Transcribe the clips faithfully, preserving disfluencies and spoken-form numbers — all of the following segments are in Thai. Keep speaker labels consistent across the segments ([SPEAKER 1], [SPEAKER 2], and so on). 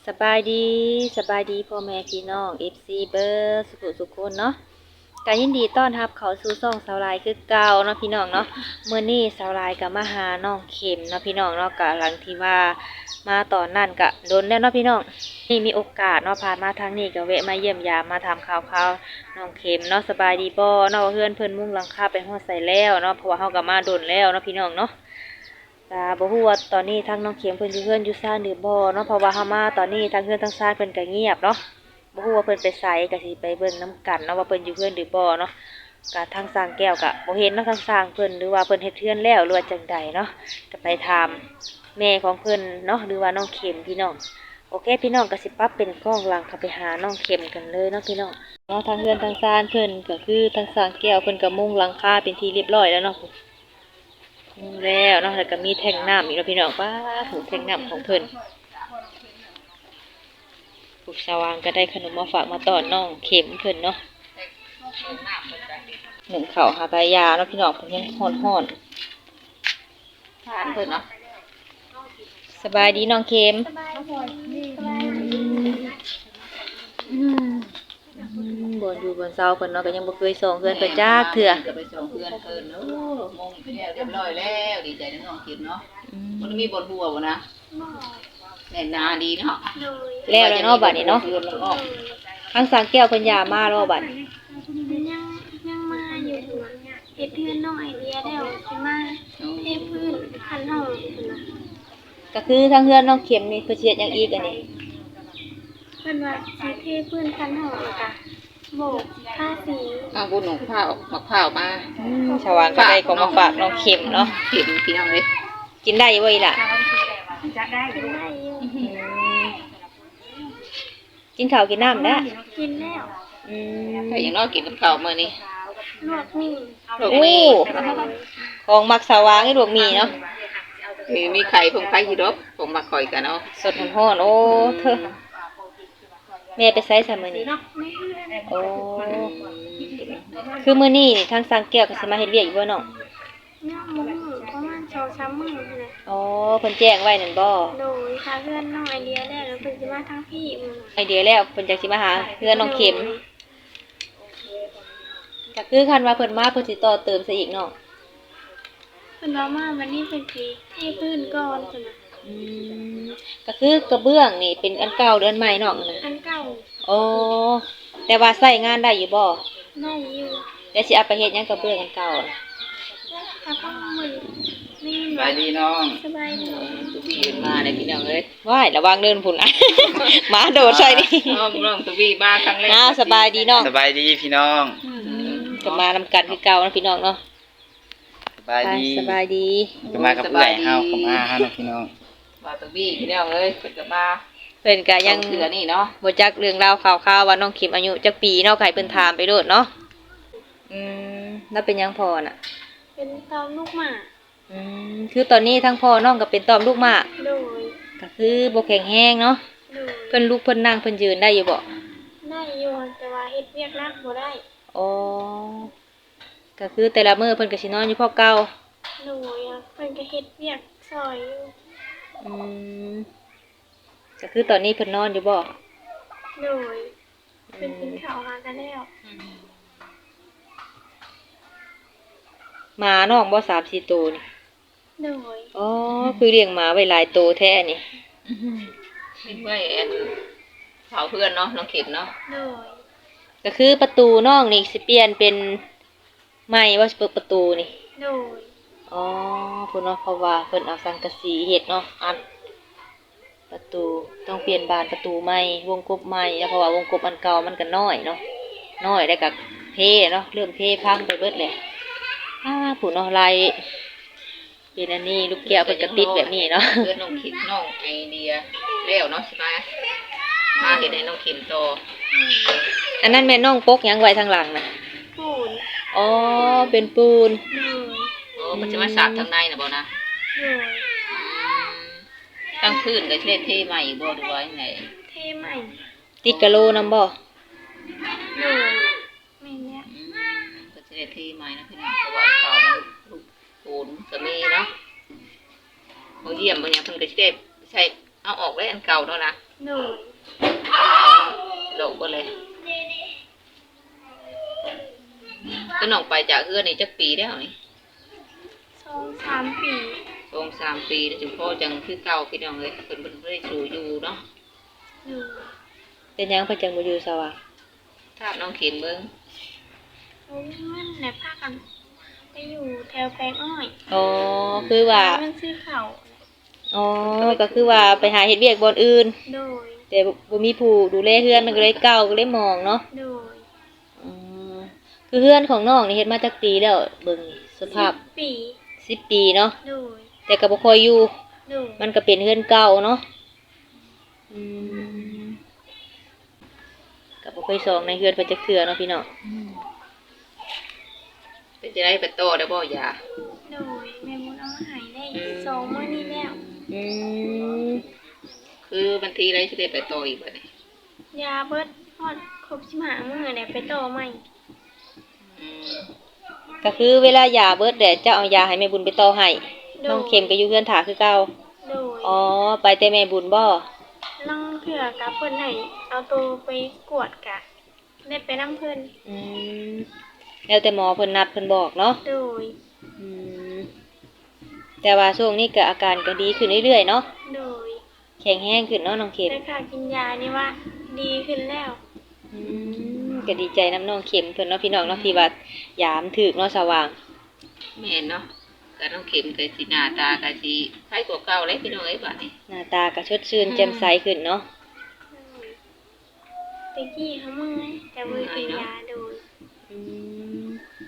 [SPEAKER 1] สบายดีสบายดีพ่อแม่พี่น้อง เอฟ ซี เบอร์สุขสุขคนเนาะการยินดีต้อนรับเขาสู่ช่องสาวลายคือเก่าเนาะพี่น้องเนาะเมื่อนี้สาวลายกับมาหาน้องเข็มเนาะพี่น้องเนาะกะหลังที่ว่ามาตอนนั้นกะโดนแล้วเนาะพี่น้องนี่มีโอกาสเนาะผ่านมาทางนี้ก็แวะมาเยี่ยมยามมาทำข่าวข่าวน้องเข็มเนาะสบายดีบ่เนาะเพื่อนเพิ่นมุ่งหลังคาไปฮอดใส่แล้วเนาะเพราะว่าเฮาก็มาโดนแล้วเนาะพี่น้องเนาะ กะบ่ฮู้ว่าตอนนี้ทางน้องเข็มเพิ่นอยู่เฮือนอยู่ซ่านหรือบ่เนาะเพราะว่าเฮามาตอนนี้ทางเฮือนทางซ่านเพิ่นก็เงียบเนาะบ่ฮู้ว่าเพิ่นไปไสก็สิไปเบิ่งนํกันเนาะว่าเพิ่นอยู่เฮือนหรือบ่เนาะกะทางสร้างแก้วก็บ่เห็นเนาะทางสร้างเพิ่นหรือว่าเพิ่นเฮ็ดเฮือนแล้วหรือว่าจังใดเนาะก็ไปถามแม่ของเพิ่นเนาะหรือว่าน้องเข็มพี่น้องโอเคพี่น้องก็สิปรับเป็นกล้องหลังเข้าไปหาน้องเข็มกันเลยเนาะพี่น้องเนาะทางเฮือนทางซ่านเพิ่นก็คือทางสร้างแก้วเพิ่นก็มุงหลังคาเป็นที่เรียบร้อยแล้วเนาะ แล้วเนาะแล้วก็มีแท่งน้ำอีกแล้วพี่น้องป้าถูกแท่งน้ำของเพิ่นผู้สว่างก็ได้ขนมมาฝากมาตอนน้องเข็มเพิ่นเนาะหนึ่งเข่าวหากายาเนาะพี่น้องเพิ่นยังฮ้อนฮ้อนทานเพิ่นเนาะสบายดีน้องเข็มอืมบนอยู่บนเสาเพิ่นเนาะก็ยังบ่เคยส่งเพื่อนเพิ่นจักเทื่อ
[SPEAKER 2] จะไปส่งเพื่อนเพิ่นโอ้มงแล้วเรียบร้อยแล้วดีใจน้องๆคิดเนาะมันมีบทบัวบ่นะแน่นาดีเนาะ
[SPEAKER 1] แล้วแล้วเนาะบัดนี้เนาะทางสางแก้วเพิ่นยามาแล้วบัดนี้
[SPEAKER 3] ยังยังมาอยู่เฮ็ดเพื่อนน้องไอเดียแล้วสิมาเทพื้นคันห้องพุ่นน่ะ
[SPEAKER 1] ก็คือทางเฮือนน้องเข็มนี่เพิ่นสิเฮ็ดหยังอีกอันนี้
[SPEAKER 3] เพิ่นว่าสิเทพื้นคันห้องแล้วก็โบกผ้าสี
[SPEAKER 2] เอาบุญของข้าวมักข้าวมา
[SPEAKER 1] อืมชาวบ้านก็ได้ของมาฝากน้องเข็มเนาะ
[SPEAKER 2] เข็มพี่น้องเลย
[SPEAKER 1] กินได้อยู่บ่อีหล่ะ
[SPEAKER 3] กินได้อยู่
[SPEAKER 1] อืมกินข้าวกินน้ำนะ
[SPEAKER 3] กินแล้ว
[SPEAKER 1] อืม
[SPEAKER 2] ถ้าอย่างน้อยกินกับข้าวมื้อนี้
[SPEAKER 3] ลวกมี
[SPEAKER 2] ลูก
[SPEAKER 1] โอ้
[SPEAKER 2] มี
[SPEAKER 1] ของมักสาวางให้ลวกหมีเนาะ
[SPEAKER 2] มีมีไข่ผงไข่ฮิโรบผมมาคอยกันเนาะ
[SPEAKER 1] สดร้อนๆโอ้เธอแม่ไปไสซะมื้อนี้
[SPEAKER 3] ไม่เพื่อน
[SPEAKER 1] โอ้คือมื้อนี้นี่ทางสร้างแก้วก็สิมาเฮ็ดเวียกอยู่บ่น้อง
[SPEAKER 3] ย่างมุ้งประมาณสองสามมื้อพุ่นน่ะ
[SPEAKER 1] อ๋อเพิ่นแจ้งไว้นั่นบ่
[SPEAKER 3] โดยถ้าเพื่อนน้องไอเดียแล้วแล้วเพิ่นสิมาทางพี่มื้อ
[SPEAKER 1] ไอเดียแล้วเพิ่นจักสิมาหาเฮือนน้องเข็มก็คือคันว่าเพิ่นมาเพิ่นสิต่อเติมซะอีกเนาะ
[SPEAKER 3] เพิ่นว่ามาวันนี้เพิ่นสิเทพื้นก่อนพุ่นน่ะ
[SPEAKER 1] อืมก็คือกระเบื้องนี่เป็นอันเก่าหรืออันใหม่เนาะนั่น
[SPEAKER 3] อันเก่า
[SPEAKER 1] โอ้แต่ว่าใช้งานได้อยู่บ่
[SPEAKER 3] ได้อยู่
[SPEAKER 1] แล้วสิเอาไปเฮ็ดหยังกระเบื้องอันเก่าน่ะ
[SPEAKER 3] ถ้าก็มือนี่
[SPEAKER 2] สบายดีน้อง
[SPEAKER 3] สบายดี
[SPEAKER 2] ตุบี้มาได้พี่น้องเลย
[SPEAKER 1] ว้ายระวังเดินพุ่นนะ หมาโดดใส่นี่
[SPEAKER 2] น้องน้องตุบี้มาครั้งแรก
[SPEAKER 1] อ้าวสบายดีเนาะ
[SPEAKER 4] สบายดีพี่น้อง
[SPEAKER 1] ก็มานำกันคือเก่านะพี่น้องเนาะ
[SPEAKER 4] สบาย
[SPEAKER 1] ไป
[SPEAKER 4] ดี
[SPEAKER 1] สบายดี
[SPEAKER 4] ก็มากับเอื้อยเฮากับอาเฮานะพี่น้อง
[SPEAKER 2] มาตุบี้พี่น้องเลยเพิ่นก็มา
[SPEAKER 1] เพิ่นก็ยัง
[SPEAKER 2] เถื่อนี่เนาะ
[SPEAKER 1] บ่จักเรื่องราวข่าวๆว่าน้องเข็มอายุจักปีเนาะก็ให้เพิ่นถามไปโลดเนาะอืมแล้วเป็นหยังพอน่ะ
[SPEAKER 3] เป็นตอมลูกหมา
[SPEAKER 1] อืมคือตอนนี้ทั้งพ่อน้องก็เป็นตอมลูกหมาก
[SPEAKER 3] โดย
[SPEAKER 1] ก็คือบ่แข็งแรงเนาะ
[SPEAKER 3] โดย
[SPEAKER 1] เพิ่นลุกเพิ่นนั่งเพิ่นยืนได้อยู่บ่
[SPEAKER 3] ได้อยู่แต่ว่าเฮ็ดเวียกนักบ่ได้
[SPEAKER 1] อ๋อก็คือแต่ละมื้อเพิ่นก็สินอนอยู่พอเก่า
[SPEAKER 3] โดยอะเพิ่นก็เฮ็ดเวียกซอยอยู่
[SPEAKER 1] อืมก็คือตอนนี้เพิ่นนอนอยู่บ่
[SPEAKER 3] โดยเพิ่นกินข้าวมากันแล้ว
[SPEAKER 1] หมาน้องบ่สามสี่ตัวนี่
[SPEAKER 3] โดย
[SPEAKER 1] อ๋อคือเลี้ยงหมาไว้หลายตัวแท้นี่
[SPEAKER 2] คิดไว้แอนเผาเพื่อนเนาะน้องเข็มเนาะ
[SPEAKER 3] โดย
[SPEAKER 1] ก็คือประตูน้องนี่สิเปลี่ยนเป็นไม้ว่าสิเปิดประตูนี่
[SPEAKER 3] โดย
[SPEAKER 1] อ๋อเพิ่นเนาะเพราะว่าเพิ่นเอาสังกะสีเฮ็ดเนาะอัดประตูต้องเปลี่ยนบานประตูใหม่วงกบใหม่แล้วเพราะว่าวงกบอันเก่ามันก็น้อยเนาะน้อยแล้วก็เพเนาะเริ่มเพพังไปเบิดเลยอ้าผู้เนาะลายเป็นอันนี้ลูกแก้วเพิ่นก็ติดแบบนี้เนาะ
[SPEAKER 2] เพื่อนน้องเข็มน้องไอเดียแล้วเนาะใช่ไหมมาเห็นในน้องเข็มโต
[SPEAKER 1] อันนั้นแม่น้องปกหยังไว้ทางหลังน่ะ
[SPEAKER 3] ปูน
[SPEAKER 1] อ๋อเป็นปูน
[SPEAKER 3] โดย
[SPEAKER 2] โอ้มันจะมาสาดทางในนะบ่นะ
[SPEAKER 3] โดย
[SPEAKER 2] ตั้งพื้นก็เช็ดเทใหม่บ่ดูไว้ไง
[SPEAKER 3] เทใหม่
[SPEAKER 1] ติดกะโลนำบ่
[SPEAKER 3] โดยแม่นเนี่ย
[SPEAKER 2] ก็เช็ดเทใหม่นะพี่น้องเพราะว่าเขามันลูกปูนก็มีเนาะเขาเยี่ยมบางอย่างเพิ่นก็เช็ดใช้เอาออกได้อันเก่าเนาะนะ
[SPEAKER 3] โดย
[SPEAKER 2] โลกบ่เลยก็น้องไปจากเฮือนนี่จักปีแล้วนี่
[SPEAKER 3] สองสามปี
[SPEAKER 2] สองสามปีแล้วจุพ่อจังคือเก่าพี่น้องเอ้ยเพิ่นบ่ได้สู่อยู่เนาะ
[SPEAKER 3] โดย
[SPEAKER 1] เป็นหยังเพิ่นจังบ่อยู่สว่าง
[SPEAKER 2] ถ้าน้องเข็มเบิ่ง
[SPEAKER 3] เขาเงินและพากันไปอยู่แถวแปลงอ้อย
[SPEAKER 1] อ๋อคือว่า
[SPEAKER 3] เงินซื้อข้าว
[SPEAKER 1] อ๋อก็คือว่าไปหาเฮ็ดเวียกบ่อนอื่น
[SPEAKER 3] โดย
[SPEAKER 1] แต่บ่มีผู้ดูแลเฮือนมันก็เลยเก่าก็เลยมองเนาะ
[SPEAKER 3] โดย
[SPEAKER 1] อืมคือเฮือนของน้องนี่เฮ็ดมาจักปีแล้วเบิ่งสภาพ
[SPEAKER 3] ปี
[SPEAKER 1] สิบปีเนาะ
[SPEAKER 3] โดย
[SPEAKER 1] แต่ก็บ่ค่อยอยู่
[SPEAKER 3] โดย
[SPEAKER 1] มันก็เป็นเฮือนเก่าเนาะอืมก็บ่ค่อยซองในเฮือนเพิ่นจักเทื่อเนาะพี่น้อง
[SPEAKER 2] เป็นจะได้ไปโตได้บ่ยา
[SPEAKER 3] โดยแม่มุนเอามาใหายได้สองมื้อนี้แล้ว
[SPEAKER 1] อืม
[SPEAKER 2] คือบันทีไรสิได้ไปโตอีกบัดนี้
[SPEAKER 3] ยาเบิดฮอดครบสิบห้ามื้อแล้วไปต่อใหม่
[SPEAKER 2] อืม
[SPEAKER 1] ก็คือเวลายาเบิดแดดจะเอายาให้แม่บุญไปต่อให้น้องเข็มก็อยู่เฮือนถาคือเก่า
[SPEAKER 3] โดย
[SPEAKER 1] อ๋อไปแต่แม่บุญบ่
[SPEAKER 3] ลังเถื่อกับเพิ่นให้เอาตัวไปกวดกะได้ไปนำเพิ่น
[SPEAKER 1] อืมแล้วแต่หมอเพิ่นนัดเพิ่นบอกเนาะ
[SPEAKER 3] โดย
[SPEAKER 1] อืมแต่ว่าช่วงนี้ก็อาการก็ดีขึ้นเรื่อยๆเนาะ
[SPEAKER 3] โดย
[SPEAKER 1] แข็งแรงขึ้นเนาะน้องเข็ม
[SPEAKER 3] แต่ค่ะกินยานี่ว่าดีขึ้นแล้ว
[SPEAKER 1] อืมก็ดีใจน้ำน้องเข็มเพิ่นเนาะพี่น้องเนาะที่ว่ายามถึกเนาะสว่าง
[SPEAKER 2] แม่นเนาะก็น้องเข็มก็สิหน้าตาก็สิคล้ายกว่าเก่าเลยพี่น้องเอ้ยบัดนี้
[SPEAKER 1] หน้าตาก็สดชื่นแจ่มใสขึ้นเนาะ
[SPEAKER 3] ตะกี้เขาเมื่อยแต่มือกินยาโดย
[SPEAKER 1] อืม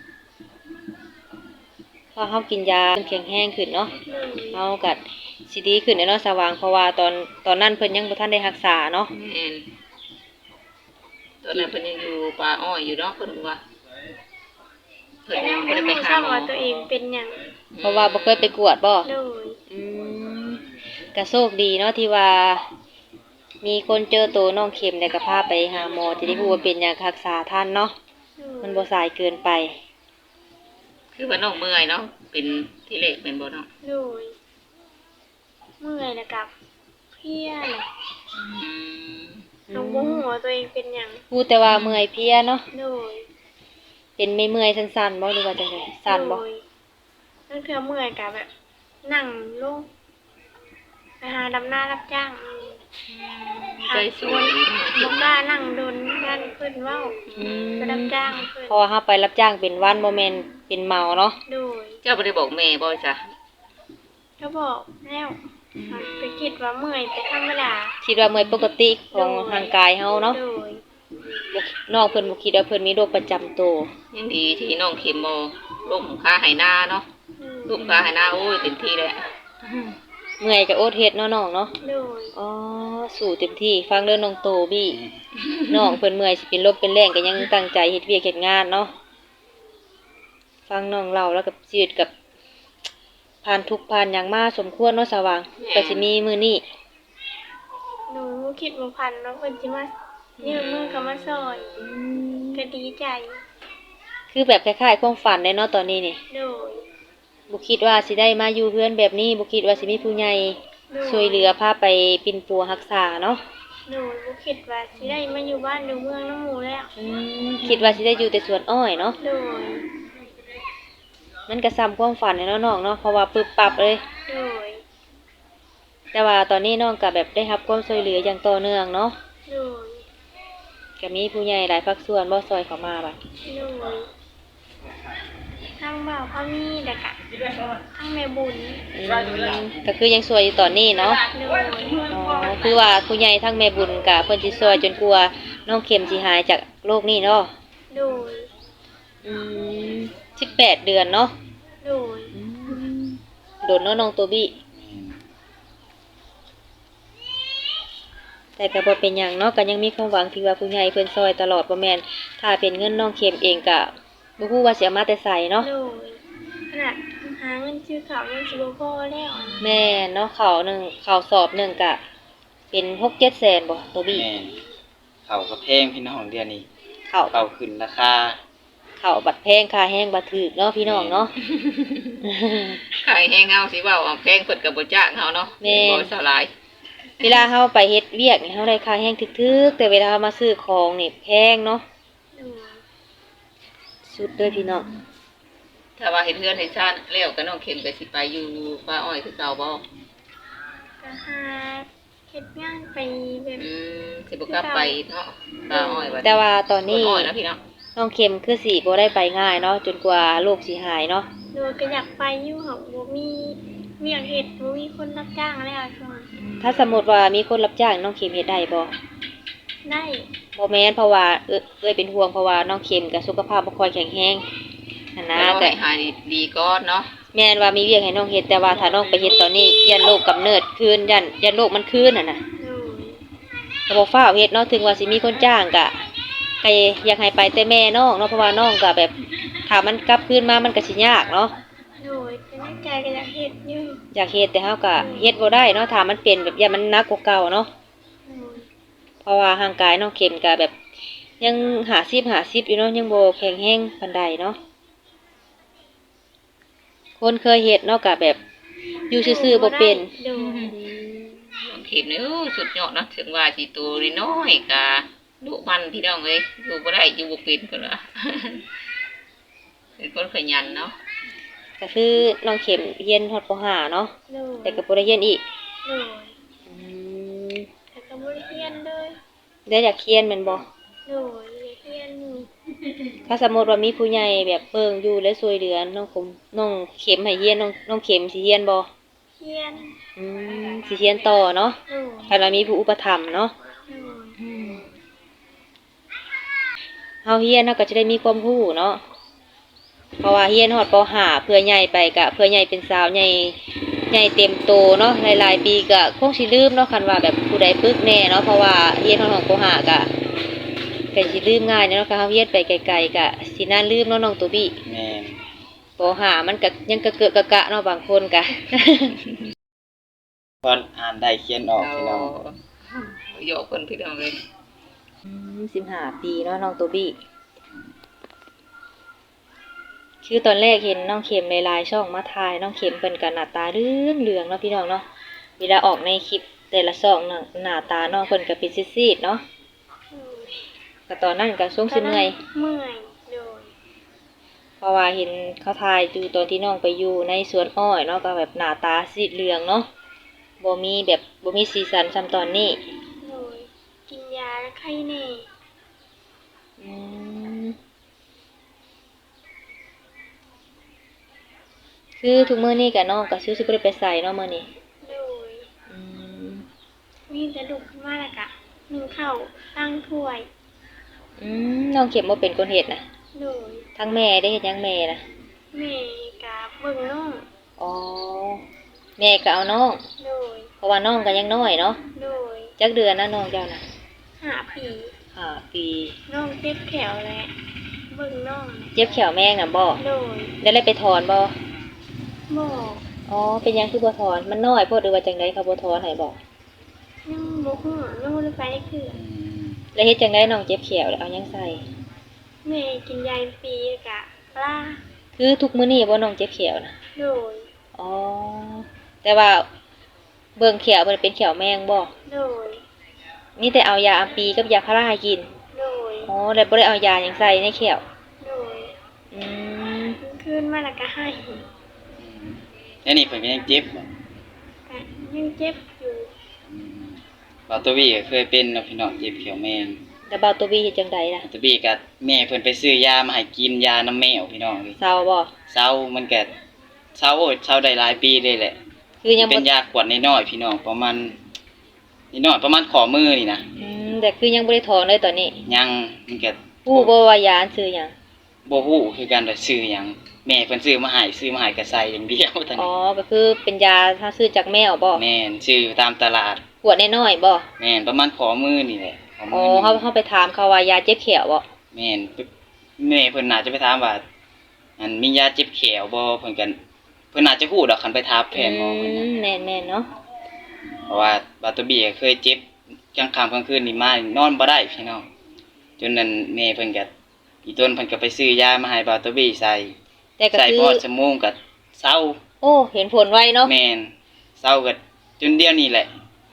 [SPEAKER 1] พอเฮากินยาแข็งแรงขึ้นเนาะ
[SPEAKER 3] โดย
[SPEAKER 1] เฮาก็สิดีขึ้นเนาะสว่างเพราะว่าตอนตอนนั้นเพิ่นยังบ่ทันได้รักษาเนาะ
[SPEAKER 2] แม่นตอนนั้นเพิ่นยังอยู่ป่าอ้อยอยู่เนาะเพิ่นว่าเพิ่น
[SPEAKER 3] แต่
[SPEAKER 2] ยั
[SPEAKER 3] ยัง ง
[SPEAKER 2] บ่
[SPEAKER 3] ไม่
[SPEAKER 2] ได้ไป
[SPEAKER 3] รู้
[SPEAKER 2] หา
[SPEAKER 3] ทราบ
[SPEAKER 2] หมอ
[SPEAKER 3] ว่าตัวเองเป็นหยัง
[SPEAKER 1] เพราะว่าบ่เคยไปกวดบ่
[SPEAKER 3] โดย
[SPEAKER 1] อืมก็โชคดีเนาะที่ว่า มีคนเจอตัวน้องเข็มแล้วก็พาไปหาหมอจะได้รู้ว่าเป็นหยังรักษาทันเนาะ
[SPEAKER 3] โดย
[SPEAKER 1] มันบ่สายเกินไป
[SPEAKER 2] คือว่าน้องเมื่อยเนาะเป็นที่เล็กเป็นบ่เนาะ
[SPEAKER 3] โดยเมื่อยแล้วกับเพลียน่ะ
[SPEAKER 2] อืม
[SPEAKER 3] น้องบ่ฮู้ว่าตัวเองเป็นหยัง
[SPEAKER 1] พูดแต่ว่าเมื่อยเพลียเนาะ
[SPEAKER 3] โดย
[SPEAKER 1] เป็นไม่เมื่อยสั้นๆบ่หรือว่าจังไดสั้นบ่
[SPEAKER 3] โดยนั่นคือเมื่อยกับแบบ นั่งลงไปหาดำหน้ารับจ้าง
[SPEAKER 2] ใจสวยเนาะ
[SPEAKER 3] บ่กล้านั่งโดนยันเพิ่นเว้า
[SPEAKER 1] อืม
[SPEAKER 3] ไปรับจ้างเพิ่น
[SPEAKER 1] เพราะว่าเฮาไปรับจ้างเป็นวันบ่แม่นเป็นเมาเนาะ
[SPEAKER 3] โดย
[SPEAKER 2] เจ้าบ่ได้บอกแม่บ่จ้ะ
[SPEAKER 3] ก็บอกแล้วไปคิดว่าเมื่อยแต่ธรรมดา
[SPEAKER 1] คิดว่าเมื่อยปกติของร่างกายเฮาเนาะ
[SPEAKER 3] โดย
[SPEAKER 1] บ่น้องเพิ่นบ่คิดว่าเพิ่นมีโรคประจำตัว
[SPEAKER 2] ยังดีที่น้องเข็มบ่ล้มขาไหหน้าเนาะล้มขาไหหน้าโอ้ยเต็มที่เลย
[SPEAKER 1] เมื่อยก็อดเฮ็ดเนาะน้องเนาะ
[SPEAKER 3] โดย
[SPEAKER 1] อ๋อสู้เต็มที่ฟังเด้อน้องโตบี้ น้องเพิ่นเมื่อยสิเป็นลมเป็นแรงก็ยังตั้งใจเฮ็ดเวียกเฮ็ดงานเนาะฟังน้องเล่าแล้วกับชีวิตกับผ่านทุกข์ผ่านหยังมาสมควรเนาะสว่างก็สิมีมื้อนี้
[SPEAKER 3] หนูคิดบ่พันว่าเพิ่นสิมายื่นมือเข้ามาซอยก็ดีใจ
[SPEAKER 1] คือแบบคล้ายๆความฝันเลยเนาะตอนนี้นี่
[SPEAKER 3] โดย
[SPEAKER 1] บ่คิดว่าสิได้มาอยู่เฮือนแบบนี้บ่คิดว่าสิมีผู้ใหญ่
[SPEAKER 3] โดย
[SPEAKER 1] ช่วยเหลือพาไปปิ่นปัวรักษาเนาะ
[SPEAKER 3] หนูบ่คิดว่าสิได้มาอยู่บ้านอยู่เมืองน้ำหมู่แล้ว
[SPEAKER 1] อืมคิดว่าสิได้อยู่แต่สวนอ้อยเนาะ
[SPEAKER 3] โดย
[SPEAKER 1] มันก็ซ้ำความฝันเลยเนาะน้องเนาะเพราะว่าปึบปับเลย
[SPEAKER 3] โดย
[SPEAKER 1] แต่ว่าตอนนี้น้องก็แบบได้รับความช่วยเหลืออย่างต่อเนื่องเนาะ
[SPEAKER 3] โดย
[SPEAKER 1] ก็มีผู้ใหญ่หลายภาคส่วนบ่ซอยเข้ามาบัด
[SPEAKER 3] โดยทางบ่าวพามีแล้วก็ทางแม่บุญ
[SPEAKER 1] อืมก็คือยังสวยอยู่ตอนนี้เนาะ
[SPEAKER 3] โดย
[SPEAKER 1] อ๋อคือว่าผู้ใหญ่ทั้งแม่บุญกับเพิ่นสิซอยจนกลัวาน้องเข็มสิหายจากโรคนี้เนาะ
[SPEAKER 3] โดย
[SPEAKER 1] อืมสิบแปดเดือนเนาะ
[SPEAKER 3] โดย
[SPEAKER 1] อืมโดนเนาะน้องตัวบี้แต่ก็บ่เป็นหยังเนาะก็ยังมีความหวังที่ว่าผู้ใหญ่เพิ่นซอยตลอดบ่แม่นถ้าเป็นเงินน้องเข็มเองก็บ่ฮู้ว่าสิเอามาแต่ไสเนาะ
[SPEAKER 3] โดยขนาดหาเงินซื้อข้าวยังสิบ่พอแล้ว
[SPEAKER 1] แม่นเนาะข้าวหนึงข้าวสอบหนึงก็เป็นหกเจ็ดแสนบ่ตัวบี้
[SPEAKER 4] แม่นเขาก็แพงพี่น้องเดือนนี้
[SPEAKER 1] ข้าว
[SPEAKER 4] เขาขึ้นราคา
[SPEAKER 1] ข้าวบัดแพงค่าแห้งบัดถูกเนาะพี่น้องเนาะ
[SPEAKER 2] ขายแห้งเฮาสิเว้าเอาแพงเพิ่นก็บ่จ้างเฮาเนาะ
[SPEAKER 1] แม่
[SPEAKER 2] บ่สลาย
[SPEAKER 1] เวลาเฮาไปเฮ็ดเวียกนี่เฮาได้ค่าแรงทึกๆแต่เวลาเฮามาซื้อของนี่แพงเนาะ
[SPEAKER 3] โดย
[SPEAKER 1] สุดเด้อพี่น้อง
[SPEAKER 2] ถ้าว่าเฮ็ดเฮือนเฮ็ดชาติแล้วก็น้องเข็มก็สิไปอยู่ป้าอ้อยคือเก่าบ่
[SPEAKER 3] ก็หาเฮ็ดงานไปแบบ
[SPEAKER 2] อืมสิบ่กลับไปเนาะป้าอ้อยว่า
[SPEAKER 1] แต่ว่าตอนนี้
[SPEAKER 2] อ้อยนะพี่น้อง
[SPEAKER 1] น้องเข็มคือสิบ่ได้ไปง่ายเนาะจนกว่าโรคสิหายเนาะ
[SPEAKER 3] โดยก็อยากไปอยู่ค่ะบ่มีเวียกเฮ็ดบ่มีคนรับจ้างแล้วช่วง
[SPEAKER 1] ถ้าสมมุติว่ามีคนรับจ้างน้องเข็มเฮ็ดได้บ่
[SPEAKER 3] ได้
[SPEAKER 1] บ่แม่นเพราะว่าเอ้อเอ้ยเป็นห่วงเพราะว่าน้องเข็มก็สุขภาพบ่ค่อยแข็งแรงนั่นนะ
[SPEAKER 2] แล้ว
[SPEAKER 1] แต่
[SPEAKER 2] ให้หายดีก่อนเนาะ
[SPEAKER 1] แม่นว่ามีเวียกให้น้องเฮ็ดแต่ว่าถ้าน้องไปเฮ็ดตอนนี้ยันโรคกำเนิดคืนยันยันโรคมันคืนน่ะนะ
[SPEAKER 3] โดย
[SPEAKER 1] ก็บ่ฟ้าวเฮ็ดเนาะถึงว่าสิมีคนจ้างก็ก็อยากให้ไปแต่แม่น้องเนาะเพราะว่าน้องก็แบบถ้ามันกลับคืนมามันก็สิยากเนาะ
[SPEAKER 3] โดยแต่ในใจก็อยากเฮ็ดอยู่
[SPEAKER 1] อยากเฮ็ดแต่เฮาก็เฮ็ดบ่ได้เนาะถ้ามันเป็นแบบอย่ามันหนักกว่าเก่าเนาะ
[SPEAKER 3] โดย
[SPEAKER 1] เพราะว่าร่างกายน้องเข็มก็แบบยังหาสิบหาสิบอยู่เนาะยังบ่แข็งแรงปานใดเนาะคนเคยเฮ็ดเนาะก็แบบอยู่ซื่อๆบ่เป็น
[SPEAKER 3] โดย
[SPEAKER 2] น้องเข็มนี่โอ้สุดยอดนะถึงว่าสิตัวน้อยๆก็ดุมันพี่น้องเอ้ยอยู่บ่ได้อยู่บ่เป็นพุ่นว่า เป็นคนขยันเนาะ
[SPEAKER 1] ก็คือน้องเข็มเรียนฮอดป .ห้า เนาะ
[SPEAKER 3] โดย
[SPEAKER 1] แต่ก็บ่ได้เรียนอีก
[SPEAKER 3] โดย
[SPEAKER 1] อืม
[SPEAKER 3] แต่ก็บ่ได้เรียนเลย
[SPEAKER 1] แล้วอยากเรียนแม่นบ่
[SPEAKER 3] โดยอยากเรียนอยู่
[SPEAKER 1] ถ้าสมมุติว่ามีผู้ใหญ่แบบเบิ่งอยู่และช่วยเหลือน้องคมน้องเข็มให้เรียนน้องน้องเข็มสิเรียนบ่
[SPEAKER 3] เรียน
[SPEAKER 1] อืมสิเรียนต่อเนาะ
[SPEAKER 3] โดย
[SPEAKER 1] ถ้าเรามีผู้อุปถัมภ์เนาะ
[SPEAKER 3] โดย
[SPEAKER 1] เฮาเรียนเฮาก็จะได้มีความรู้เนาะเพราะว่าเรียนฮอดป .ห้า เพื่อใหญ่ไปก็เพื่อใหญ่เป็นสาวใหญ่ใหญ่เต็มโตเนาะหลายๆปีก็คงสิลืมเนาะคันว่าแบบผู้ใดปึกแน่เนาะเพราะว่าเรียนฮอดของป .ห้า ก็ก็สิลืมง่ายเนาะคันเฮาเรียนไปไกลๆก็สิน่าลืมเนาะน้องตัวบี้
[SPEAKER 4] แม่น
[SPEAKER 1] ป .ห้า มันก็ยังกะเกอะกะกะเนาะบางคนก็
[SPEAKER 4] พออ่านได้เขียนออกพี่น้อง
[SPEAKER 2] โยกเพิ่นพี่น้องเอ้ย
[SPEAKER 1] อืมสิบห้าปีเนาะน้องตัวบี้คือตอนแรกเห็นน้องเข็มในไลน์ช่องมาถ่ายน้องเข็มเพิ่นก็หน้าตาเรื่องเหลืองๆเนาะพี่น้องเนาะเวลาออกในคลิปแต่ละช่องน่ะหน้าตาน้องเพิ่นก็เป็นซีดๆเนาะ
[SPEAKER 3] โดย
[SPEAKER 1] ก็ตอนนั้นก็สงสิเมื่อย
[SPEAKER 3] เมื่อยโดย
[SPEAKER 1] เพราะว่าเห็นเขาถ่ายอยู่ตอนที่น้องไปอยู่ในสวนอ้อยเนาะก็แบบหน้าตาซีดเหลืองเนาะบ่มีแบบบ่มีสีสันซ้ำตอนนี้
[SPEAKER 3] โดยกินยาแล้วไข้แน่
[SPEAKER 1] อืมคือทุกมื้อนี้ก็น้องก็ซื้อสิบ่ได้ไปใส่เนาะมื้อนี้
[SPEAKER 3] โดย
[SPEAKER 1] อืม
[SPEAKER 3] มีกระดูกขึ้นมาแล้วก็นึ่งข้าวตั้งถ้วย
[SPEAKER 1] อืมน้องเข็มบ่เป็นคนเฮ็ดน่ะ
[SPEAKER 3] โดย
[SPEAKER 1] ทั้งแม่ได้เฮ็ดหยังแม่น่ะ
[SPEAKER 3] แม่กับเบิ่งน้อง
[SPEAKER 1] อ๋อแม่ก็เอาน้อง
[SPEAKER 3] โดย
[SPEAKER 1] เพราะว่าน้องก็ยังน้อยเนาะ
[SPEAKER 3] โดย
[SPEAKER 1] จักเดือนนะน้องเจ้าน่ะ
[SPEAKER 3] หาผี
[SPEAKER 1] ห้าปี
[SPEAKER 3] น้องเจ็บแขวและเบิ่งน้อง
[SPEAKER 1] เจ็บแขวแม่งน่ะบ่
[SPEAKER 3] โดย
[SPEAKER 1] ได้เลยไปถอนบ่
[SPEAKER 3] บอก
[SPEAKER 1] อ๋อเป็นหยังคือบ่ถอนมันน้อยโพดหรือว่าจังได๋เขาบ่ถอนให้บ่
[SPEAKER 3] ยังบ่ฮู้ยังบ่ได้ไปได้คือ
[SPEAKER 4] อืม
[SPEAKER 1] แล้วเฮ็ดจังได๋น้องเจ็บแขวแล้วเอาหยังใส่
[SPEAKER 3] แม่กินยาปีกะปลา
[SPEAKER 1] คือทุกมื้อนี้บ่น้องเจ็บแขวน่ะ
[SPEAKER 3] โดย
[SPEAKER 1] อ๋อแต่ว่าเบิ่งแขวมันเป็นแขวแมงบ่
[SPEAKER 3] โดย
[SPEAKER 1] มีแต่เอายาอัมปีกับยาพาราให้กิน
[SPEAKER 3] โดย
[SPEAKER 1] อ๋อแล้วบ่ได้เอายาหยังใส่ในแขว
[SPEAKER 3] โดย
[SPEAKER 1] อืม
[SPEAKER 3] คืนมาแล้วก็ให้
[SPEAKER 4] อืมแล้วนี่เพิ่นก็ยังเจ็บบ่
[SPEAKER 3] ก็ยังเจ็บอยู่
[SPEAKER 4] อืมบ่าวตัวบี้ก็เคยเป็นเนาะพี่น้องเจ็บเขียวแมง
[SPEAKER 1] แล้วบ่าวตัวบีเฮ็ดจังไดล่ะ
[SPEAKER 4] บ่าวตัวบี้ก็แม่เพิ่นไปซื้อยามาให้กินยาน้ำแมวพี่น้องเอ้ย
[SPEAKER 1] เศร้าบ่
[SPEAKER 4] เศร้ามันก็เศร้าโอ้ยเศร้าได้หลายปีเลยแหละ
[SPEAKER 1] คือยัง
[SPEAKER 4] เป็
[SPEAKER 1] บ่
[SPEAKER 4] นยาขวดน้อยๆพี่น้องประมาณนิดหน่อยประมาณข้อมือนี่นะ
[SPEAKER 1] อืมแต่คือยังบ่ได้ถอนเลยตอนนี้
[SPEAKER 4] ยังมันก็
[SPEAKER 1] ฮู้บ่ว่ายาอันซื้อหยัง
[SPEAKER 4] บ่ฮู้คือกันว่าซื้อหยังแม่เพิ่นซื้อมาให้ซื้อมาให้ก็ใส่อย่างเดียวเท่า
[SPEAKER 1] อ๋อ
[SPEAKER 4] นี้
[SPEAKER 1] ก็คือเป็นยาถ้าซื้อจากแมวบ่
[SPEAKER 4] แม่นซื้ออยู่ตามตลาด
[SPEAKER 1] ขวดน้อยๆบ่
[SPEAKER 4] แม่นประมาณข้อมือนี่แหละข้อ
[SPEAKER 1] อ๋
[SPEAKER 4] มื
[SPEAKER 1] อ
[SPEAKER 4] อ
[SPEAKER 1] เฮา
[SPEAKER 4] นี่
[SPEAKER 1] เฮาไปถามเขาว่ายาเจ็บแขวบ่
[SPEAKER 4] แม่นแม่เพิ่นน่าจะไปถามว่าอันมียาเจ็บแขวบ่เพิ่นก็เพิ่นน่าจะฮู้ดอกคันไปถามแพทย์หมอเพิ่น
[SPEAKER 1] อื
[SPEAKER 4] น่ะ
[SPEAKER 1] มแม่นๆเนาะ
[SPEAKER 4] เพราะว่าบาตวบี้ก็เคยเจ็บกลางค่ำกลางคืนนี่มานอนบ่ได้พี่น้องจนนั้นแม่เพิ่นก็อีต้นเพิ่นก็ไปซื้อยามาให้บาตวบี้ใส่
[SPEAKER 1] แต่ก็
[SPEAKER 4] ใส่
[SPEAKER 1] คื
[SPEAKER 4] พ
[SPEAKER 1] อ
[SPEAKER 4] อชั่วโมงก็เศร้า
[SPEAKER 1] โอ้เห็นผลไวเนาะ
[SPEAKER 4] แม่นเศร้าก็จนเดียวนี่แหละ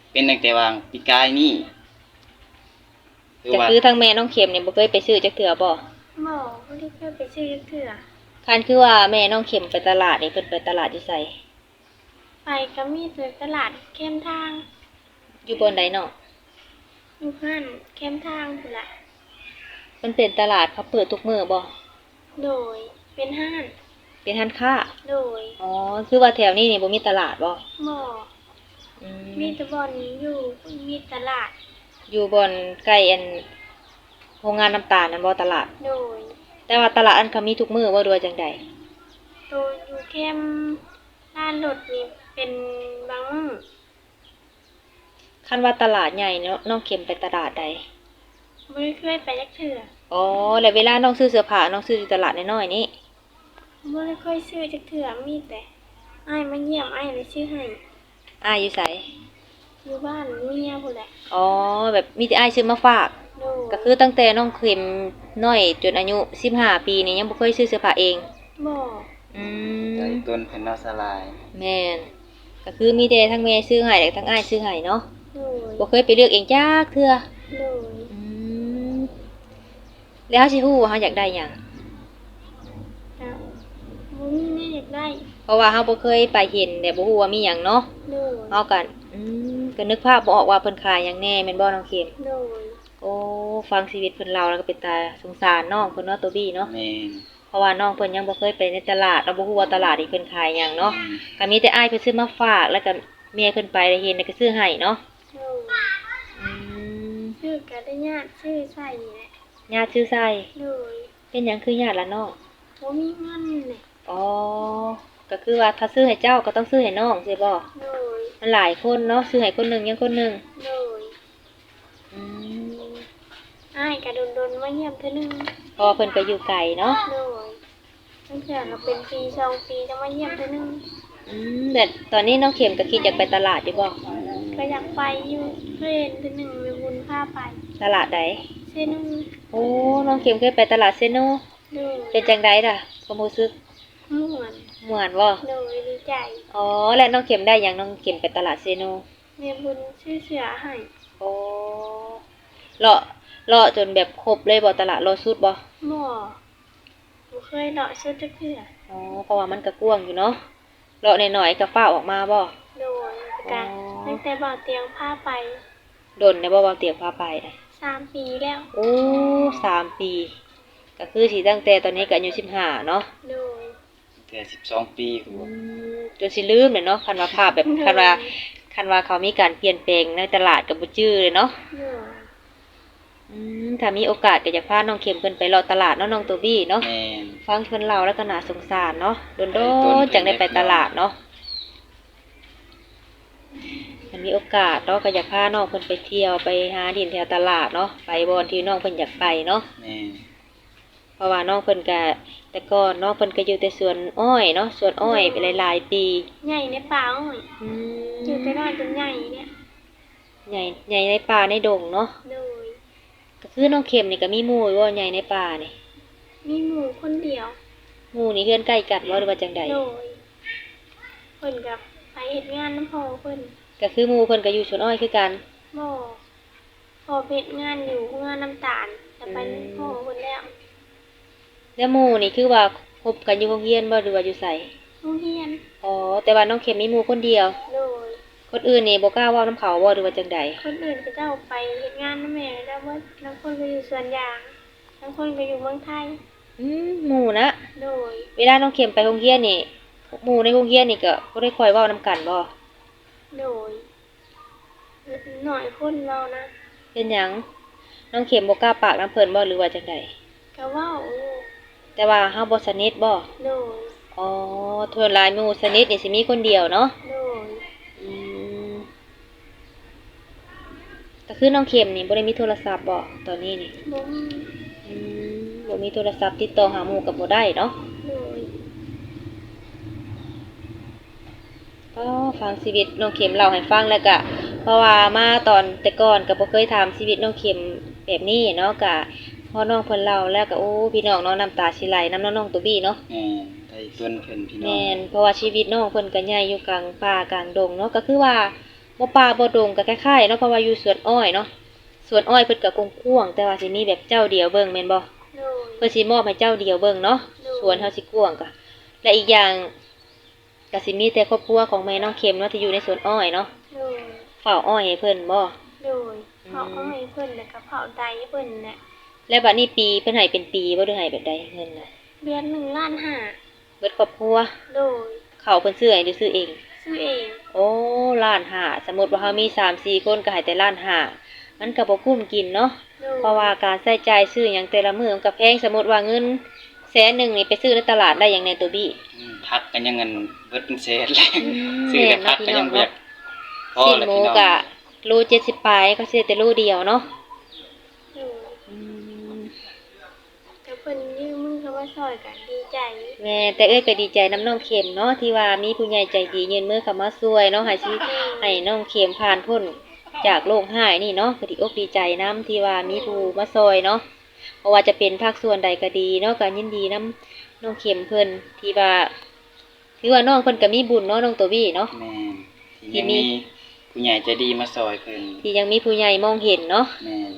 [SPEAKER 4] เป็นตั้งแต่วางปีกายนี่คือ
[SPEAKER 1] ก็
[SPEAKER 4] ว่า
[SPEAKER 1] คือทางแม่น้องเข็มนี่บ่เคยไปซื้อจักเทื่อบ่
[SPEAKER 3] หมอไม่ได้เคยไปซื้อเถื่อ
[SPEAKER 1] คันคือว่าแม่น้องเข็มไปตลาดนี่เพิ่นไปตลาดอยู่ไส
[SPEAKER 3] ไปก็มีแต่ตลาดเข้มทาง
[SPEAKER 1] อยู่บนใดเนาะ
[SPEAKER 3] อยู่ห้านเข้มทางพุ่นละ
[SPEAKER 1] มันเป็นตลาดเขาเปิดทุกมื้อบ่
[SPEAKER 3] โดยเป็นห้าน
[SPEAKER 1] เป็นร้านค้า
[SPEAKER 3] โดย
[SPEAKER 1] อ๋อคือว่าแถวนี้นี่บ่มีตลาดบ่
[SPEAKER 3] หมอ
[SPEAKER 1] อืม
[SPEAKER 3] มีแตะบอนอยู่มีตลาด
[SPEAKER 1] อยู่บนใกล้อันโรงงานน้ำตาลนั่นบ่ตลาด
[SPEAKER 3] โดย
[SPEAKER 1] แต่ว่าตลาดอันเขามีทุกมื้อบ่ด้วยจังใด
[SPEAKER 3] ตัวอยู่เข้มร้านรถนี่เป็นบางมื้อ
[SPEAKER 1] คันว่าตลาดใหญ่เนาะน้องเข็มไปตลาดใด
[SPEAKER 3] ไม่ได้เคยไปจักเถื่อ
[SPEAKER 1] อ๋อแล้วเวลาน้องซื้อเสื้อผ้าน้องซื้ออยู่ตลาดน้อยๆนี่
[SPEAKER 3] ไม่ได้ค่อยซื้อจักเถื่อมีแต่อ้ายมาเยี่ยมอ้ายเลยซื้อให้
[SPEAKER 1] อ้ายอยู่ไส
[SPEAKER 3] อยู่บ้านเมียพุ่นแหละ
[SPEAKER 1] อ๋อแบบมีแต่อ้ายซื้อมาฝาก
[SPEAKER 3] โดย
[SPEAKER 1] ก็คือตั้งแต่น้องเข็มน้อยจนอายุสิบห้าปีนี่ยังบ่เคยซื้อเสื้อผ้าเอง
[SPEAKER 3] บ่
[SPEAKER 1] อื
[SPEAKER 4] ใจ
[SPEAKER 1] ม
[SPEAKER 4] ต้นเพิ่นเนาะสลาย
[SPEAKER 1] แม่นก็คือมีแต่ทั้งแม่ซื้อให้และทั้งอ้ายซื้อให้เนาะ
[SPEAKER 3] โดย
[SPEAKER 1] บ่เคยไปเลือกเองจักเทื่อ
[SPEAKER 3] โดย
[SPEAKER 1] อืมแล้วสิฮู้ว่าเฮาอยากได้หยัง
[SPEAKER 3] ครับบ่มีแม่อยากได้
[SPEAKER 1] เพราะว่าเฮาบ่เคยไปเห็นแต่บ่ฮู้ว่ามีหยังเนาะ
[SPEAKER 3] โดย
[SPEAKER 1] เฮากันอืมก็นึกภาพบ่ออกว่าเพิ่นขายหยังแน่แม่นบ่น้องเข็ม
[SPEAKER 3] โดย
[SPEAKER 1] โอ้ฟังชีวิตเพิ่นเล่าแล้วก็เป็นตาสงสารน้องเพิ่นเนาะตัวบี้เนาะ
[SPEAKER 4] แม่น
[SPEAKER 1] เพราะว่าน้องเพิ่นยังบ่เคยไปในตลาดเราบ่ฮู้ว่าตลาดนี่เพิ่นขายหยังเนาะก็มีแต่อ้ายเพิ่นซื้อมาฝากแล้วก็แม่เพิ่นไปได้เห็นแล้วก็ซื้อให้เนาะ
[SPEAKER 3] โดย
[SPEAKER 1] อืม
[SPEAKER 3] ชื่อก็ได้ญาติชื่อใส่นี่แหละ
[SPEAKER 1] ญาติซื้อใส่
[SPEAKER 3] โดย
[SPEAKER 1] เป็นหยังคือญาติละน้อง
[SPEAKER 3] บ่มีเงินนี่
[SPEAKER 1] อ๋อก็คือว่าถ้าซื้อให้เจ้าก็ต้องซื้อให้น้องใช่บ่
[SPEAKER 3] โดย
[SPEAKER 1] มันหลายคนเนาะซื้อให้คนหนึงยังคนหนึง
[SPEAKER 3] โดย
[SPEAKER 1] อืม
[SPEAKER 3] อ้ายก็โดนๆมาเยี่ยมเทื่อนึง
[SPEAKER 1] เพราะว่าเพิ่นก็อยู่ไกลเนาะ
[SPEAKER 3] โดยตั้งแต่เราเป็นปีสองปีจะมาเยี่ยมเทื่อนึง
[SPEAKER 1] อืมแต่ตอนนี้น้องเข็มก็คิดอยากไปตลาดอยู่บ่
[SPEAKER 3] ก็อยากไปอยู่เพื่อนเทื่อนึงมีบุญพาไป
[SPEAKER 1] ตลาดใด
[SPEAKER 3] เส้นนึง
[SPEAKER 1] โอ้น้องเข็มเคยไปตลาดเซโน
[SPEAKER 3] โดย
[SPEAKER 1] เป็นจังไดล่ะความรู้สึก
[SPEAKER 3] ม่วน
[SPEAKER 1] ม่วนบ่
[SPEAKER 3] โดยดีใจ
[SPEAKER 1] อ๋อแล้วน้องเข็มได้หยังน้องเข็มไปตลาดเซโน
[SPEAKER 3] แม่บุญชื่อเสือให้
[SPEAKER 1] โอ้เลาะเลาะจนแบบครบเลยบ่ตลาดเลาะสุดบ่
[SPEAKER 3] หม้อบ่เคยเลาะชุดจักเทื่อ
[SPEAKER 1] อ๋อเพราะว่ามันก็กว้างอยู่เนาะเลาะหน่อยๆก็ฟ้าวออกมาบ่
[SPEAKER 3] โดยการตั้งแต่บ่อเตียงพาไป
[SPEAKER 1] ดนได้บ่ว่าเตรียมพาไปน่ะ
[SPEAKER 3] สามปีแล้ว
[SPEAKER 1] โอ้สามปี ก็คือสิตั้งแต่ตอนนี้ก็อายุสิบห้าเนาะ
[SPEAKER 3] โดย
[SPEAKER 4] แต่สิบสองปีคือ
[SPEAKER 1] อื
[SPEAKER 4] ว่าม
[SPEAKER 1] จนสิลืมเลยเนาะคันว่าภาพแบบคันว่าคันว่าเขามีการเปลี่ยนแปลงในตลาดก็บ่จื้อเลยเนาะ
[SPEAKER 3] โดย
[SPEAKER 1] อืมถ้ามีโอกาสก็อยากพาน้องเข็มเพิ่นไปเลาะตลาดเนาะน้องตัวบี้เนาะ
[SPEAKER 4] แม่น
[SPEAKER 1] ฟังเพิ่นเล่าแล้วก็น่าสงสารเนาะโดน
[SPEAKER 4] ไอ้ต้น
[SPEAKER 1] ๆจังได้ไปตลาดเนาะมันมีโอกาสเนาะก็อยากพาน้องเพิ่นไปเที่ยวไปหาดินแถวตลาดเนาะไปบ่อนที่น้องเพิ่นอยากไปเนาะ
[SPEAKER 4] แม่น
[SPEAKER 1] เพราะว่าน้องเพิ่นก็แต่ก่อนน้องเพิ่นก็อยู่แต่สวนอ้อยเนาะสวนอ้อยไปหลายๆปี
[SPEAKER 3] ใหญ่ในป่าอ้อย
[SPEAKER 1] อื
[SPEAKER 3] อยู่
[SPEAKER 1] ม
[SPEAKER 3] แต่น้อยจนใหญ่เนี่ย
[SPEAKER 1] ใหญ่ใหญ่ในป่าในดงเนาะ
[SPEAKER 3] โดย
[SPEAKER 1] ก็คือน้องเข็มนี่ก็มีหมู่อยู่ว่าใหญ่ในป่านี่
[SPEAKER 3] มีหมูคนเดียว
[SPEAKER 1] หมู่นี่เฮือนใกล้กันบ่หรือว่าจังใด
[SPEAKER 3] โดยเพิ่นกับไปเฮ็ดงานน้ำพอเพิ่น
[SPEAKER 1] ก็คือหมู่เพิ่นก็อยู่สวนอ้อยคือกัน
[SPEAKER 3] บ่พอเฮ็ดงานอยู่งานน้ำตาลจะไปน้ำพอเพิ่นแล้ว
[SPEAKER 1] แล้วหมู่นี่คือว่าคบกันอยู่โรงเรียนบ่หรือว่าอยู่ไส
[SPEAKER 3] โรงเรียน
[SPEAKER 1] อ๋อแต่ว่าน้องเข็มมีหมู่คนเดียว
[SPEAKER 3] โดย
[SPEAKER 1] คนอื่นนี่บ่กล้าเว้านํเขาบ่หรือว่าจังใด
[SPEAKER 3] คนอื่นก็เจ้าไปเฮ็ดงานน้ำแม่แล้วว่าบางคนก็อยู่สวนยางบางคนก็อยู่เมืองไทย
[SPEAKER 1] อืมหมู่นะ
[SPEAKER 3] โดย
[SPEAKER 1] เวลาน้องเข็มไปโรงเรียนนี่หมู่ในโรงเรียนนี่ก็บ่ได้ค่อยเว้านํกันบ่
[SPEAKER 3] โดยหน่อยคนเรานะ
[SPEAKER 1] เป็นหยังน้องเข็มบ่กล้าปากน้ำเพิ่นบ่หรือว่าจังใด
[SPEAKER 3] ก็เว้าอยู่
[SPEAKER 1] แต่ว่าเฮาบ่สนิทบ่
[SPEAKER 3] โดย
[SPEAKER 1] อ๋อส่วนหลายหมู่สนิทนี่สิมีคนเดียวเนาะ
[SPEAKER 3] โดย
[SPEAKER 1] อืมก็คือน้องเข็มนี่บ่ได้มีโทรศัพท์บ่ตอนนี้นี่
[SPEAKER 3] บ่มี
[SPEAKER 1] อืมบ่มีโทรศัพท์ติดต่อหาหมู่ก็บ่ได้เนาะ
[SPEAKER 3] โดย
[SPEAKER 1] ก็ฟังชีวิตน้องเข็มเล่าให้ฟังแล้วก็เพราะว่ามาตอนแต่ก่อนก็บ่เคยถามชีวิตน้องเข็มแบบนี้เนาะก็พอน้องเพิ่นเล่าแล้วก็โอ้พี่น้องเนาะน้ำตาสิไหลน้ำน้องๆตัวบี้เนาะ
[SPEAKER 4] แม่นไทยต้นเพิ่นพี่น้อง
[SPEAKER 1] แม่นเพราะว่าชีวิตน้องเพิ่นก็ใหญ่อยู่กลางป่ากลางดงเนาะก็คือว่าบ่ป่าบ่ดงก็คล้ายๆเนาะเพราะว่าอยู่สวนอ้อยเนาะสวนอ้อยเพิ่นก็กว้างๆแต่ว่าสิมีแบบเจ้าเดียวเบิ่งแม่นบ่
[SPEAKER 3] โดย
[SPEAKER 1] เพื่อสิมอบให้เจ้าเดียวเบิ่งเนาะสวนเฮาสิกว้างก็และอีกอย่างก็สิมีแต่ครอบครัวของแม่น้องเข็มเนาะที่อยู่ในสวนอ้อยเนาะ
[SPEAKER 3] โดย
[SPEAKER 1] เฝ้าอ้อยให้เพิ่นบ่
[SPEAKER 3] โดยเผาอ้อยเพิ่นแล้วก็เผาไดเพิ่นน่ะ
[SPEAKER 1] แล้วบัดนี้ปีเพิ่นให้เป็นปีบ่ได้ให้แบบใดเงินน่ะ
[SPEAKER 3] เดือนหนึ่งล้านห้า
[SPEAKER 1] เบิดครอบครัว
[SPEAKER 3] โดย
[SPEAKER 1] เขาเพิ่นซื้อให้หรือซื้อเอง
[SPEAKER 3] ซื้อเอง
[SPEAKER 1] โอ้ล้านห้าสมมุติว่าเฮามี สามสี่ คนก็ให้แต่ล้านห้ามันก็บ่คุ้มกินเนาะ
[SPEAKER 3] โดย
[SPEAKER 1] เพราะว่าการใช้จ่ายซื้อหยังแต่ละมื้อมันก็แพงสมมุติว่าเงินแสนหนึงนี่ไปซื้อในตลาดได้หยังในตัวบี้
[SPEAKER 4] อืมพักกันยังเงินเบิดเป็นแสนเลยซื้อแต่พักก็ยังบ่อยากพอ
[SPEAKER 1] ชิ้น
[SPEAKER 4] แล้ว
[SPEAKER 1] หมู
[SPEAKER 4] พี่น้อง
[SPEAKER 1] กะโลเจ็ดสิบปลายก็ซื้อแต่โลเดียวเนาะ
[SPEAKER 3] โดยแต่เพิ่นยืมมือเข้ามาซอยกันดีใจ
[SPEAKER 1] แม่แต่เอ้ยก็ดีใจน้ำน้องเข็มเนาะที่ว่ามีผู้ใหญ่ใจดียืนมือเข้ามาช่วยเนาะให้สิให้น้องเข็มผ่านพ้นจากโรคหายนี่เนาะก็ดีอกดีใจน้ำที่ว่ามีผู้มาช่วยเนาะเพราะว่าจะเป็นภาคส่วนใดก็ดีเนาะก็ยินดีน้ำน้องเข็มเพิ่นที่ว่าถือว่าน้องเพิ่นก็มีบุญเนาะน้องตัวบี้เนาะ
[SPEAKER 4] แม่นที่ยังมีผู้ใหญ่ใจดีมาซอยเพิ่น
[SPEAKER 1] ที่ยังมีผู้ใหญ่มองเห็นเนาะ
[SPEAKER 4] แม่น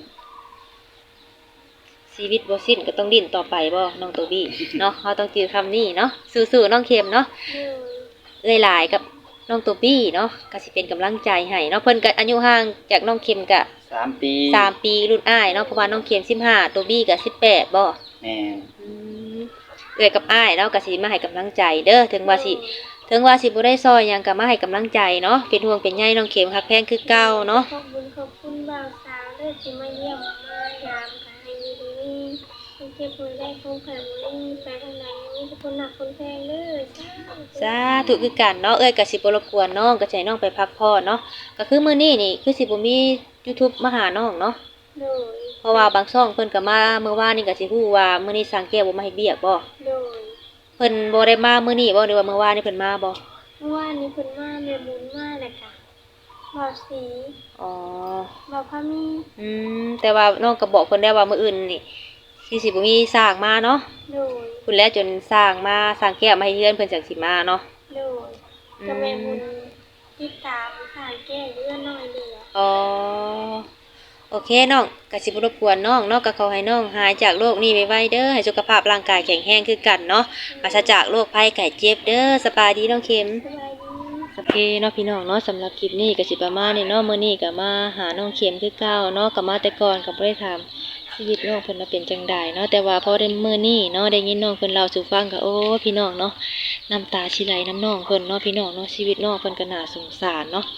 [SPEAKER 1] ชีวิตบ่สิ้นก็ต้องดิ้นต่อไปบ่น้องตัวบี้ เนาะเฮาต้องจือคำนี้เนาะสู้ๆน้องเข็มเนาะ
[SPEAKER 3] โดย
[SPEAKER 1] เอ้ยหลายกับน้องตัวบี้เนาะก็สิเป็นกำลังใจให้เนาะเพิ่นก็อายุห่างจากน้องเข็มก็
[SPEAKER 4] สามปี
[SPEAKER 1] สามปีรุ่นอ้ายเนาะเพราะว่าน้องเข็มสิบห้าตัวบี้ก็สิบแปดบ่
[SPEAKER 4] แม่น
[SPEAKER 1] อืมเอ้ยกับอ้ายเนาะก็สิมาให้กำลังใจเด้อถึงว่าสิถึงว่าสิบ่ได้ซอยหยังก็มาให้กำลังใจเนาะเป็นห่วงเป็นใยน้องเข็มฮักแพงคือเก่าเนาะ
[SPEAKER 3] ขอบคุณขอบคุณบ่าวสาวเด้อที่มาเยี่ยมมายามกันให้อยู่ดีนี่ให้เจ็บป่วยได้คงแผ่บ่ได้ไปทางไหนมีแต่คนหนักคนแพงเด้อ
[SPEAKER 1] สาธุคือกันเนาะเอ้ยก็สิบ่รบกวนน้องก็สิให้น้องไปพักผ่อนเนาะก็คือมื้อนี้นี่คือสิบ่มี YouTube มาหาน้องเนาะ
[SPEAKER 3] โดย
[SPEAKER 1] เพราะว่าบางช่องเพิ่นก็มาเมื่อวานนี่ก็สิฮู้ว่ามื้อนี้สร้างแก้วบ่มาเฮ็ดเวียกบ่
[SPEAKER 3] โดย
[SPEAKER 1] เพิ่นบ่ได้มามื้อนี้บ่หรือว่าเมื่อวานนี่เพิ่นมาบ่
[SPEAKER 3] เมื่อวานนี้เพิ่นมาแม่บุญมาแล้วก็บ่าวสี
[SPEAKER 1] อ๋อ
[SPEAKER 3] บ่าวพามี
[SPEAKER 1] อืมแต่ว่าน้องก็บอกเพิ่นแล้วว่ามื้ออื่นนี่สิสิบ่มีสร้างมาเนาะ
[SPEAKER 3] โดย
[SPEAKER 1] เพิ่นแล้วจนสร้างมาสร้างแก้วมาให้เฮือนเพิ่นจังสิมาเนาะ
[SPEAKER 3] โดยก็แม่บุญติดตามสร้างแก้เรือน้อยเดียว
[SPEAKER 1] อ๋อโอเคน้องก็สิบ่รบกวนน้องเนาะก็ขอให้น้องหายจากโรคนี้ไวๆเด้อให้สุขภาพร่างกายแข็งแรงคือกันเนาะปราศจากโรคภัยไข้เจ็บเด้อสบายดีน้องเข็ม
[SPEAKER 3] สบายดี
[SPEAKER 1] โอเคเนาะพี่น้องเนาะสำหรับคลิปนี้ก็สิประมาณนี้เนาะมื้อนี้ก็มาหาน้องเข็มคือเก่าเนาะก็มาแต่ก่อนก็บ่ได้ถามชีวิตน้องเพิ่นว่าเป็นจังไดเนาะแต่ว่าพอได้มื้อนี้เนาะได้ยินน้องเพิ่นเล่าสู่ฟังก็โอ้พี่น้องเนาะน้ำตาสิไหลน้ำน้องเพิ่นเนาะพี่น้องเนาะชีวิตน้องเพิ่นก็น่าสงสารเนาะ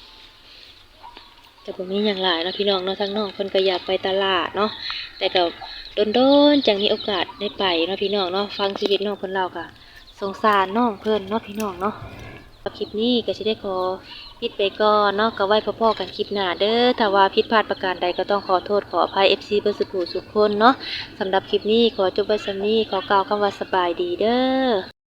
[SPEAKER 1] แต่บ่มีหยังหลายเนาะพี่น้องเนาะทั้งน้องเพิ่นก็อยากไปตลาดเนาะแต่ก็โดนๆจังมีโอกาสได้ไปเนาะพี่น้องเนาะฟังชีวิตน้องเพิ่นเล่าก็สงสารน้องเพิ่นเนาะพี่น้องเนาะ คลิปนี้ก็จะได้ขอปิดไปก่อนเนาะก็ไว้พอๆกันคลิปหน้าเด้อถ้าว่าผิดพลาดประการใดก็ต้องขอโทษขออภัย เอฟ ซี เบอร์สุขุสุขคนเนาะสำหรับคลิปนี้ขอจบไว้สำนี้ขอกล่าวคำว่าสบายดีเด้อ